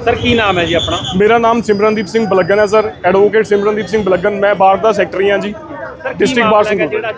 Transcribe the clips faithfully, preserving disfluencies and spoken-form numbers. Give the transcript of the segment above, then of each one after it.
Sir की नाम है जी अपना? मेरा नाम सिमरनदीप सिंह बलगन है सर, एडवोकेट सिमरनदीप सिंह बलगन। मैं बार का सैकटरी हाँ जी, डिस्ट्रिक्ट बार संगरूर।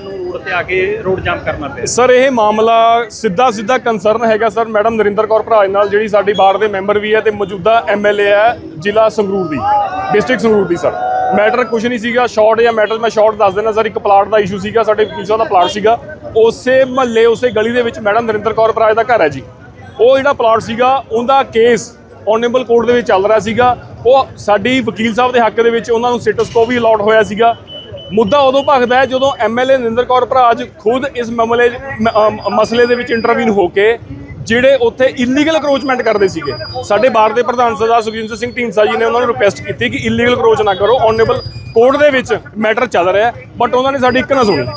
सर ये मामला सीधा सीधा कंसर्न है सर मैडम नरिंदर कौर भराज नाल, जिहड़ी साडी बार दे मैंबर भी है ते मौजूदा एम एल ए है जिला संगरूर दी, डिस्ट्रिक्ट संगरूर दी। सर मैटर कुछ नहीं सीगा, शॉर्ट या मैटर मैं शॉर्ट दस देना सर। एक प्लाट का इशू सीगा, साडे वकील साहब दा प्लाट सीगा, उसे महल्ले उसे गली दे विच मैडम नरिंदर कौर भराज दा घर है जी। वो जिहड़ा प्लाट सीगा उहदा केस ऑनरेबल कोर्ट दे विच चल रहा सीगा। वो साडी वकील साहब के हक दे विच उहनां नूं स्टेटस को भी अलॉट होया सीगा। मुद्दा उदों भखदा है जदों M L A Narinder Kaur Bharaj खुद इस मामले मसले दे विच इंटरवीन होके ਜਿਹੜੇ ਉੱਥੇ ਇਲੀਗਲ ਅਕਰੋਚਮੈਂਟ ਕਰਦੇ ਸੀਗੇ। ਸਾਡੇ ਬਾਰ ਦੇ ਪ੍ਰਧਾਨ ਸਰਦਾਰ ਸੁਖਜਿੰਦਰ ਸਿੰਘ ਢੀਂਡਸਾ ਜੀ ਨੇ ਉਹਨਾਂ ਨੂੰ ਰਿਕੁਐਸਟ ਕੀਤੀ ਕਿ ਇਲੀਗਲ ਅਕਰੋਚ ਨਾ ਕਰੋ, ਔਨਰੇਬਲ ਕੋਰਟ ਦੇ ਵਿੱਚ ਮੈਟਰ ਚੱਲ ਰਿਹਾ, ਬਟ ਉਹਨਾਂ ਨੇ ਸਾਡੀ ਇੱਕ ਨਾ ਸੁਣੀ।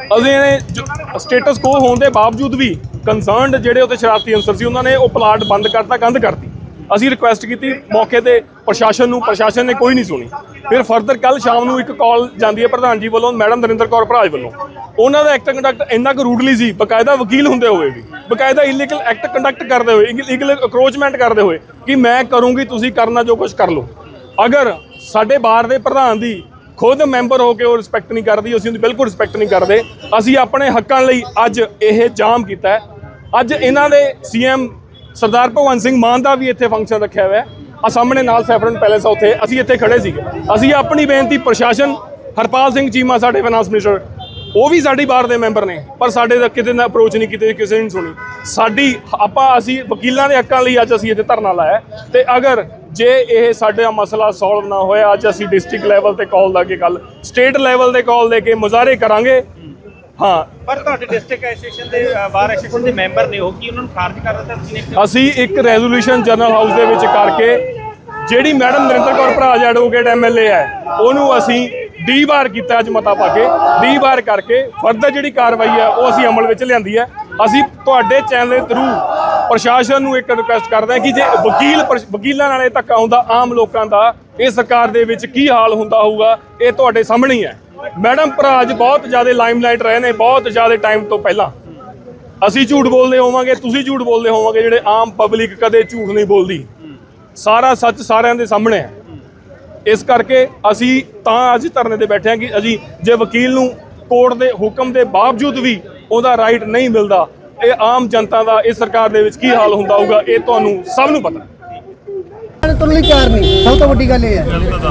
ਅਸੀਂ ਸਟੇਟਸ ਕੋ ਹੋਣ ਦੇ ਬਾਵਜੂਦ ਵੀ ਕੰਸਰਨਡ ਜਿਹੜੇ ਉੱਥੇ ਸ਼ਰਾਰਤੀ ਅਨਸਰ ਸੀ ਉਹਨਾਂ ਨੇ ਉਹ ਪਲਾਟ ਬੰਦ ਕਰਤਾ, ਕੰਧ ਕਰਤੀ। ਅਸੀਂ ਰਿਕੁਐਸਟ ਕੀਤੀ ਮੌਕੇ ਤੇ ਪ੍ਰਸ਼ਾਸਨ ਨੂੰ, ਪ੍ਰਸ਼ਾਸਨ ਨੇ ਕੋਈ ਨਹੀਂ ਸੁਣੀ। ਫਿਰ ਫਰਦਰ ਕੱਲ ਸ਼ਾਮ ਨੂੰ ਇੱਕ ਕਾਲ ਜਾਂਦੀ ਹੈ ਪ੍ਰਧਾਨ ਜੀ ਵੱਲੋਂ ਮੈਡਮ ਨਰਿੰਦਰ ਕੌਰ ਭਰਾਜ ਵੱਲੋਂ। ਉਹਨਾਂ ਦਾ ਐਕਟ ਕੰਡਕਟ ਇੰਨਾ ਕੁ ਰੂਡਲੀ ਸੀ, ਬਕਾਇਦਾ ਵਕੀਲ ਹੁੰਦੇ ਹੋਏ ਵੀ, ਬਕਾਇਦਾ ਇਲੀਗਲ ਐਕਟ ਕੰਡਕਟ ਕਰਦੇ ਹੋਏ, ਇਲੀਗਲ ਅਕਰੋਚਮੈਂਟ ਕਰਦੇ ਹੋਏ ਕਿ ਮੈਂ ਕਰੂੰਗੀ, ਤੁਸੀਂ ਕਰਨਾ ਜੋ ਕੁਝ ਕਰ ਲਓ। ਅਗਰ ਸਾਡੇ ਬਾਰ ਦੇ ਪ੍ਰਧਾਨ ਦੀ ਖੁਦ ਮੈਂਬਰ ਹੋ ਕੇ ਉਹ ਰਿਸਪੈਕਟ ਨਹੀਂ ਕਰਦੀ, ਅਸੀਂ ਉਹਦੀ ਬਿਲਕੁਲ ਰਿਸਪੈਕਟ ਨਹੀਂ ਕਰਦੇ। ਅਸੀਂ ਆਪਣੇ ਹੱਕਾਂ ਲਈ ਅੱਜ ਇਹ ਜਾਮ ਕੀਤਾ। ਅੱਜ ਇਹਨਾਂ ਦੇ ਸੀ ਐਮ ਸਰਦਾਰ ਭਗਵੰਤ ਸਿੰਘ ਮਾਨ ਦਾ ਵੀ ਇੱਥੇ ਫੰਕਸ਼ਨ ਰੱਖਿਆ ਹੋਇਆ ਆ, ਸਾਹਮਣੇ ਨਾਲ ਸੈਫਰਨ ਪੈਲੇਸ ਆ, ਉੱਥੇ ਅਸੀਂ ਇੱਥੇ ਖੜੇ ਸੀਗੇ। ਅਸੀਂ ਆਪਣੀ ਬੇਨਤੀ ਪ੍ਰਸ਼ਾਸਨ, ਹਰਪਾਲ ਸਿੰਘ ਚੀਮਾ ਸਾਡੇ ਫਾਈਨਾਂਸ ਮਿਨਿਸਟਰ, ਉਹ ਵੀ ਸਾਡੀ ਬਾਰ ਦੇ ਮੈਂਬਰ ਨੇ, ਪਰ ਸਾਡੇ ਦਾ ਕਿਤੇ ਨਾ ਅਪਰੋਚ ਨਹੀਂ ਕੀਤੀ, ਕਿਸੇ ਨੇ ਨਹੀਂ ਸੁਣੀ ਸਾਡੀ। ਆਪਾਂ ਅਸੀਂ ਵਕੀਲਾਂ ਦੇ ਹੱਕਾਂ ਲਈ ਅੱਜ ਅਸੀਂ ਇੱਥੇ ਧਰਨਾ ਲਾਇਆ ਤੇ ਅਗਰ ਜੇ ਇਹ ਸਾਡਾ ਮਸਲਾ ਸੋਲਵ ਨਾ ਹੋਇਆ, ਅੱਜ ਅਸੀਂ ਡਿਸਟ੍ਰਿਕਟ ਲੈਵਲ ਤੇ ਕਾਲ ਲਾ ਕੇ ਕੱਲ ਸਟੇਟ ਲੈਵਲ ਤੇ ਕਾਲ ਦੇ ਕੇ ਮੁਜ਼ਾਹਰੇ ਕਰਾਂਗੇ। ਹਾਂ, ਪਰ ਤੁਹਾਡੇ ਡਿਸਟ੍ਰਿਕਟ ਐਸੋਸੀਏਸ਼ਨ ਦੇ ਬਾਰ ਐਸੋਸੀਏਸ਼ਨ ਦੇ ਮੈਂਬਰ ਨੇ, ਉਹ ਕੀ ਉਹਨਾਂ ਨੂੰ ਖਾਰਜ ਕਰ ਦਿੱਤਾ ਤੁਸੀਂ ਨੇ? ਅਸੀਂ ਇੱਕ ਰੈਜ਼ੋਲੂਸ਼ਨ ਜਨਰਲ ਹਾਊਸ ਦੇ ਵਿੱਚ ਕਰਕੇ ਜਿਹੜੀ madam Narinder Kaur Bharaj advocate M L A ਹੈ ਉਹਨੂੰ ਅਸੀਂ ਡੀ ਵਾਰ ਕੀਤਾ, ਅੱਜ ਮਤਾ ਪਾ ਕੇ ਡੀ ਵਾਰ ਕਰਕੇ ਫਰਦਰ ਜਿਹੜੀ ਕਾਰਵਾਈ ਹੈ ਉਹ ਅਸੀਂ ਅਮਲ ਵਿੱਚ ਲਿਆਂਦੀ ਹੈ। ਅਸੀਂ ਤੁਹਾਡੇ ਚੈਨਲ ਦੇ ਥਰੂ ਪ੍ਰਸ਼ਾਸਨ ਨੂੰ ਇੱਕ ਰਿਕੁਐਸਟ ਕਰਦੇ ਹਾਂ ਕਿ ਜੇ ਵਕੀਲ ਵਕੀਲਾਂ ਨਾਲ ਇਹ ਧੱਕਾ ਹੁੰਦਾ ਆਮ ਲੋਕਾਂ ਦਾ, ਇਹ ਸਰਕਾਰ ਦੇ ਵਿੱਚ ਕੀ ਹਾਲ ਹੁੰਦਾ ਹੋਊਗਾ, ਇਹ ਤੁਹਾਡੇ ਸਾਹਮਣੇ ਹੀ ਹੈ। ਮੈਡਮ ਭਰਾਜ ਬਹੁਤ ਜ਼ਿਆਦਾ ਲਾਈਮਲਾਈਟ ਰਹੇ ਨੇ, ਬਹੁਤ ਜ਼ਿਆਦਾ ਟਾਈਮ ਤੋਂ ਪਹਿਲਾਂ। ਅਸੀਂ ਝੂਠ ਬੋਲਦੇ ਹੋਵਾਂਗੇ, ਤੁਸੀਂ ਝੂਠ ਬੋਲਦੇ ਹੋਵਾਂਗੇ, ਜਿਹੜੇ ਆਮ ਪਬਲਿਕ ਕਦੇ ਝੂਠ ਨਹੀਂ ਬੋਲਦੀ। ਸਾਰਾ ਸੱਚ ਸਾਰਿਆਂ ਦੇ ਸਾਹਮਣੇ ਹੈ। ਇਸ ਕਰਕੇ ਅਸੀਂ ਤਾਂ ਅੱਜ ਧਰਨੇ ਤੇ ਬੈਠੇ ਹਾਂ ਕਿ ਅਸੀਂ ਜੇ ਵਕੀਲ ਨੂੰ ਕੋਰਟ ਦੇ ਹੁਕਮ ਦੇ ਬਾਵਜੂਦ ਵੀ ਉਹਦਾ ਰਾਈਟ ਨਹੀਂ ਮਿਲਦਾ, ਇਹ ਆਮ ਜਨਤਾ ਦਾ ਇਸ ਸਰਕਾਰ ਦੇ ਵਿੱਚ ਕੀ ਹਾਲ ਹੁੰਦਾ ਹੋਊਗਾ, ਇਹ ਤੁਹਾਨੂੰ ਸਭ ਨੂੰ ਪਤਾ। ਤੁਰਨ ਲਈ ਤਿਆਰ ਨਹੀਂ, ਸਭ ਤੋਂ ਵੱਡੀ ਗੱਲ ਇਹ ਹੈ।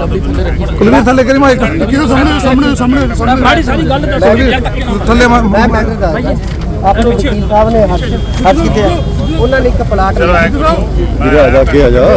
ਕੁਲਵੀਰ ਥੱਲੇ ਕਰੀ ਮਾਈਕ, ਕਿਹਦੇ ਸਾਹਮਣੇ ਸਾਹਮਣੇ ਸਾਹਮਣੇ ਸਾਰੀ ਸਾਰੀ ਗੱਲ ਥੱਲੇ ਮੈਂ ਮੈਂ ਆਪਣੇ ਵਕੀਲ ਸਾਹਿਬ ਨੇ ਹੱਥ ਹੱਥ ਕੀਤੇ, ਉਹਨਾਂ ਨੇ ਇੱਕ ਪਲਾਟ ਵੀਰੇ ਆ ਜਾ ਕੇ ਆ ਜਾ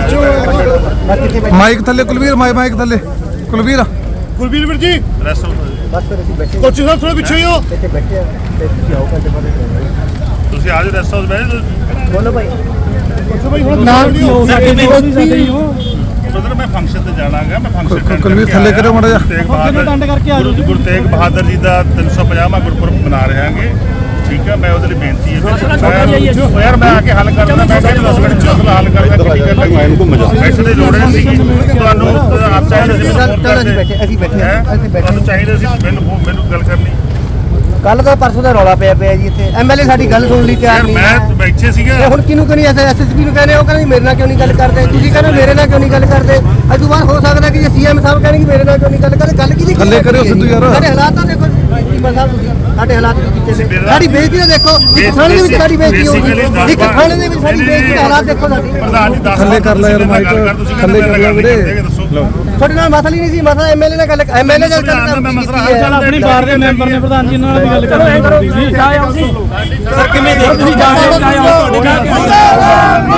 ਮਾਈਕ ਥੱਲੇ, ਕੁਲਵੀਰ ਮਾਈਕ ਥੱਲੇ, ਕੁਲਵੀਰ ਕੁਲਵੀਰ ਵੀਰ ਜੀ ਬਸ ਫਿਰ ਅਸੀਂ ਬੈਠੇ ਕੋਚੀ ਸਾਹਿਬ ਥੋੜਾ ਪਿੱਛੇ ਹੋ, ਇੱਥੇ ਬੈਠੇ ਆ ਤੇ ਤੁਸੀਂ ਆਓ ਘੰਟੇ ਬਾਅਦ ਤੁਸੀਂ ਆ ਜਾਓ ਰੈਸਟ ਹਾਊਸ ਬੈਠ ਬੋਲੋ ਭਾਈ। ਨਾਲ ਸਾਡੇ ਸਾਡੇ ਹੋ ਸਦਰ ਮੈਂ ਫੰਕਸ਼ਨ ਤੇ ਜਾਣਾਗਾ, ਮੈਂ ਫੰਕਸ਼ਨ ਕੁਲਵੀਰ ਥੱਲੇ ਕਰੋ ਮਾੜਾ ਜਿਹਾ ਡੰਡ ਕਰਕੇ ਆ ਗੁਰੂ ਤੇਗ ਬਹਾਦਰ ਜੀ ਦਾ ਤਿੰਨ ਸੌ ਪੰਜਾਹਵਾਂ ਗੁਰਪੁਰਬ ਮਨਾ ਰਹੇ ਹਾਂਗੇ, ਠੀਕ ਹੈ। ਮੈਂ ਉਹਦੇ ਲਈ ਬੇਨਤੀ ਹੈ ਯਾਰ ਮੈਂ ਆ ਕੇ ਹੱਲ ਕਰ ਦਿੰਦਾ, ਮੈਂ ਕਹਿੰਦਾ ਦਸ ਮਿੰਟ ਮਸਲਾ ਹੱਲ ਕਰਦਾ, ਮੈਂ ਇਹਨੂੰ ਘੁੰਮ ਜਾ ਪੈਸੇ ਦੀ ਲੋੜ ਨਹੀਂ ਸੀ ਤੁਹਾਨੂੰ, ਆਪ ਚਾਹੀਦੇ ਸੀ ਅਸੀਂ ਬੈਠੇ ਅਸੀਂ ਬੈਠੇ ਅਸੀਂ ਬੈਠੇ ਤੁਹਾਨੂੰ ਚਾਹੀਦਾ ਸੀ ਮੈਨੂੰ ਮੈਨੂੰ ਗੱਲ ਕਰਨੀ। ਕੱਲ ਦਾ ਪਰਸੋਂ ਦਾ ਰੌਲਾ ਪਿਆ ਪਿਆ ਜੀ ਇੱਥੇ, ਐਮਐਲਏ ਸਾਡੀ ਗੱਲ ਸੁਣਨ ਲਈ ਤਿਆਰ ਨਹੀਂ ਹੈ। ਮੈਂ ਬੈਠੇ ਸੀਗਾ ਤੇ ਹੁਣ ਕਿਹਨੂੰ ਕਹਿੰਦੇ ਐਸ ਐਸਐਸਪੀ ਨੂੰ ਕਹਿੰਦੇ, ਉਹ ਕਹਿੰਦੇ ਮੇਰੇ ਨਾਲ ਕਿਉਂ ਨਹੀਂ ਗੱਲ ਕਰਦੇ, ਤੁਸੀਂ ਕਹਿੰਦੇ ਮੇਰੇ ਨਾਲ ਕਿਉਂ ਨਹੀਂ ਗੱਲ ਕਰਦੇ। ਅੱਜ ਤੋਂ ਬਾਅਦ ਹੋ ਸਕਦਾ ਕਿ ਜੇ ਸੀਐਮ ਸਾਹਿਬ ਕਹਿਣਗੇ ਮੇਰੇ ਨਾਲ ਕਿਉਂ ਨਹੀਂ ਗੱਲ ਕਰਦੇ, ਗੱਲ ਕਿਹਦੀ ਥੱਲੇ ਕਰਿਓ ਸਿੱਧੂ ਯਾਰ। ਸਾਡੇ ਹਾਲਾਤ ਤਾਂ ਦੇਖੋ ਚੀਮਾ ਸਾਹਿਬ, ਸਾਡੇ ਹਾਲਾਤ ਕੀ ਕੀਤੇ ਨੇ, ਸਾਡੀ ਬੇਇੱਜ਼ਤੀ ਤਾਂ ਦੇਖੋ, ਇੱਕ ਥਾਣੇ ਦੇ ਵਿੱਚ ਸਾਡੀ ਬੇਇੱਜ਼ਤੀ ਹੋਊਗੀ, ਇੱਕ ਥਾਣੇ ਦੇ ਵਿੱਚ ਸਾਡੀ ਬੇਇੱਜ਼ਤੀ ਦੇ ਹਾਲਾਤ ਦੇਖੋ ਸਾਡੀ। ਪ੍ਰਧਾਨ ਜੀ ਥੱਲੇ ਕਰ ਲੈ ਯਾਰ ਮਾਈਕ, ਥੱਲੇ ਕਰ ਲੈ ਵੀਰੇ। ਤੁਹਾਡੇ ਨਾਲ ਮਸਲਾ ਹੀ ਨਹੀਂ ਸੀ, ਮਸਲਾ ਐਮਐਲਏ ਨਾਲ ਗੱਲ ਐਮਐਲਏ ਨਾਲ ਗੱਲ ਚੱਲ ਆਪਣੀ ਬਾਰ ਦੇ ਮੈਂਬਰ ਨੇ ਪ੍ਰਧਾਨ ਜੀ ਨਾਲ ਵੀ ਗੱਲ ਕਰਨੀ ਸੀ। ਸਰ ਕਿਵੇਂ ਦੇਖਦੇ ਤੁਸੀਂ ਜਾ ਰਹੇ ਹੋ ਤੁਹਾਡੇ